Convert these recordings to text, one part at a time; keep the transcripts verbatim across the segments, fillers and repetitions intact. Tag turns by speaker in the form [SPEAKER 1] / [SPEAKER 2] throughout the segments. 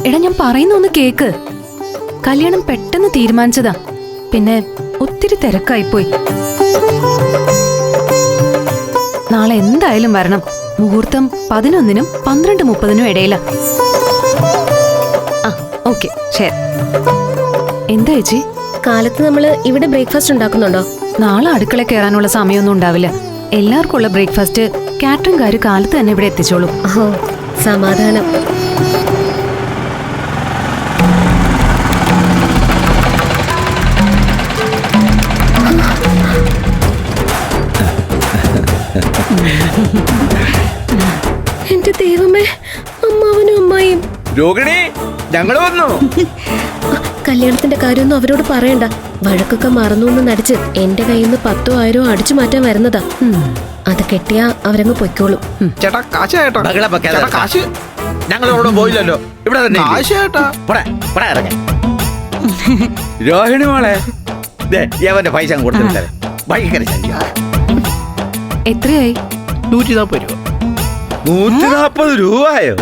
[SPEAKER 1] എടാ ഞാൻ പറയുന്ന ഒന്ന് കേക്ക്. കല്യാണം പെട്ടെന്ന് തീരുമാനിച്ചതാ, പിന്നെ ഒത്തിരി തിരക്കായിപ്പോയി. നാളെ എന്തായാലും വരണം. മുഹൂർത്തം പതിനൊന്നിനും പന്ത്രണ്ട് മുപ്പതിനും ഇടയില. ആ ഓക്കെ ശരി. എന്താ ചേച്ചി?
[SPEAKER 2] കാലത്ത് നമ്മള് ഇവിടെ ബ്രേക്ക്ഫാസ്റ്റ് ഉണ്ടാക്കുന്നുണ്ടോ?
[SPEAKER 1] നാളെ അടുക്കള കയറാനുള്ള സമയമൊന്നും ഉണ്ടാവില്ല. എല്ലാവർക്കും ഉള്ള ബ്രേക്ക്ഫാസ്റ്റ് കാറ്ററിംഗുകാര് കാലത്ത് തന്നെ ഇവിടെ എത്തിച്ചോളൂ.
[SPEAKER 2] ഓ സമാധാനം. എന്റെ ദൈവമേ, അമ്മാവനും അമ്മായിയും.
[SPEAKER 3] രോഹിണി, ഞങ്ങൾ വന്നു.
[SPEAKER 2] കല്യാണത്തിന്റെ കാര്യമൊന്നും അവരോട് പറയണ്ട. വഴക്കൊക്കെ മറന്നു എന്ന് നടിച്ച് എന്റെ കയ്യിൽ നിന്ന് പത്തോ ആയിരോ അടിച്ചു മാറ്റാൻ വരുന്നതാ. അത് കെട്ടിയാ അവരങ്ങ് പൊയ്ക്കോളും.
[SPEAKER 3] ചേട്ടാ കാശ് ചേട്ടാ. കാശ്
[SPEAKER 4] ഞങ്ങൾ ഇവിടെ പോയില്ലല്ലോ, ഇവിടെ തന്നെ
[SPEAKER 3] കാശ് ചേട്ടാ.
[SPEAKER 4] രോഹിണി മോളെ, യവന്റെ പൈസ കൊടുത്തിട്ട് ഭയങ്കര
[SPEAKER 1] എത്രയായി?
[SPEAKER 3] നൂറ്റി നാപ്പത് രൂപ.
[SPEAKER 4] നൂറ്റി നാപ്പത് രൂപയോ?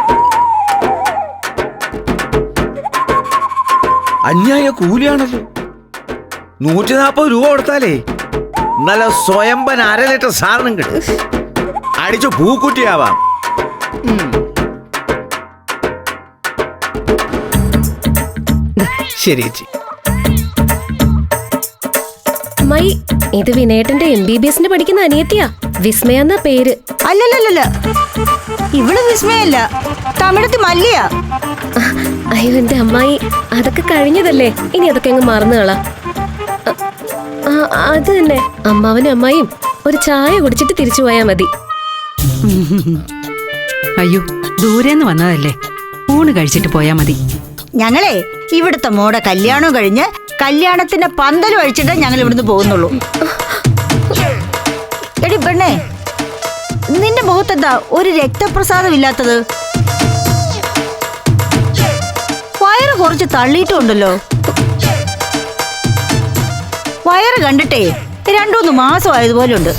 [SPEAKER 4] അന്യായ കൂലിയാണല്ലോ. നൂറ്റി നാപ്പത് രൂപ കൊടുത്താലേ നല്ല സ്വയംഭൻ അര ലിറ്റർ സാധനം കിട്ടും. അടിച്ചു പൂക്കുട്ടിയാവാം.
[SPEAKER 3] ശരി ചേച്ചി.
[SPEAKER 2] അമ്മായി, ഇത് വിനേട്ടന്റെ എം ബി ബി എസിന് പഠിക്കുന്ന അനിയത്തിയാ. വിസ്മയ എന്ന പേര്.
[SPEAKER 5] അല്ലല്ലല്ല, ഇവിടെ വിസ്മയല്ല, തമിഴത്ത് മല്ലിയാ.
[SPEAKER 2] അയ്യോ എന്റെ അമ്മായി, അതൊക്കെ കഴിഞ്ഞതല്ലേ, ഇനി അതൊക്കെ അങ്ങ് മറന്നുകളാ. അത് തന്നെ, അമ്മാവനും അമ്മായിയും ഒരു ചായ കുടിച്ചിട്ട് തിരിച്ചു പോയാ മതി.
[SPEAKER 6] അയ്യോ ദൂരേന്ന് വന്നതല്ലേ, ഊണ് കഴിച്ചിട്ട് പോയാ മതി.
[SPEAKER 5] ഞങ്ങളെ ഇവിടുത്തെ മോടെ കല്യാണം കഴിഞ്ഞ് കല്യാണത്തിന്റെ പന്തൽ കഴിച്ചിട്ടേ ഞങ്ങൾ ഇവിടുന്ന് പോകുന്നുള്ളൂ. എടി പെണ്ണേ, നിന്റെ മുഖത്തെന്താ ഒരു രക്തപ്രസാദം ഇല്ലാത്തത്? വയറ് കുറച്ച് തള്ളിയിട്ടുണ്ടല്ലോ. വയറ് കണ്ടിട്ടേ രണ്ടൂന്ന് മാസം ആയതുപോലെ ഉണ്ട്.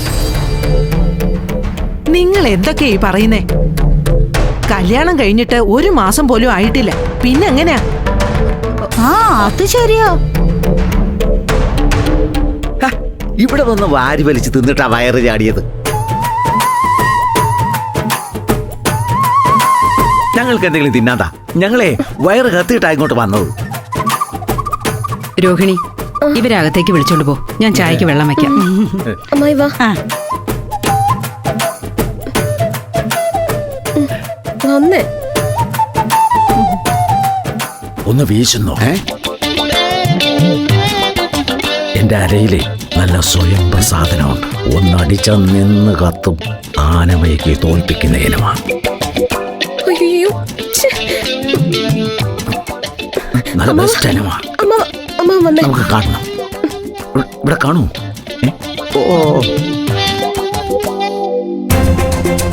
[SPEAKER 7] നിങ്ങൾ എന്തൊക്കെയാ ഈ പറയുന്നേ? കല്യാണം കഴിഞ്ഞിട്ട് ഒരു മാസം പോലും ആയിട്ടില്ല, പിന്നെ എങ്ങനെയാ?
[SPEAKER 5] ആ അത് ശരിയാ.
[SPEAKER 4] ഇവിടെ വന്ന് വാരി വലിച്ച് തിന്നിട്ടാ വയറ് ചാടിയത്. ഞങ്ങൾക്ക് എന്തെങ്കിലും തിന്നാതാ, ഞങ്ങളെ വയറ് കത്തിയിട്ടാ ഇങ്ങോട്ട് വന്നത്.
[SPEAKER 6] രോഹിണി, ഇവരകത്തേക്ക് വിളിച്ചോണ്ട് പോ, ഞാൻ ചായക്ക് വെള്ളം വെക്കാം.
[SPEAKER 2] അമ്മായി വാ. വന്നേ.
[SPEAKER 4] ഒന്ന് വീശുന്നോ? എന്റെ അരയിലെ നല്ല സ്വയം പ്രസാദനമുണ്ട്. ഒന്നടിച്ച നിന്ന് കത്തും ആനമയ്ക്ക് തോൽപ്പിക്കുന്ന ഇനമാണ്.
[SPEAKER 2] അയ്യോ
[SPEAKER 4] നല്ല ബെസ്റ്റ് ഇനമാണ്. നമുക്ക് കാണണം. ഇവിടെ കാണൂ.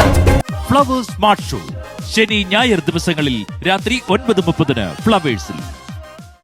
[SPEAKER 8] ഫ്ലവേഴ്സ് സ്മാർട്ട് ഷോ ശനി ഞായർ ദിവസങ്ങളിൽ രാത്രി ഒൻപത് മുപ്പതിന് ഫ്ലവേഴ്സിൽ.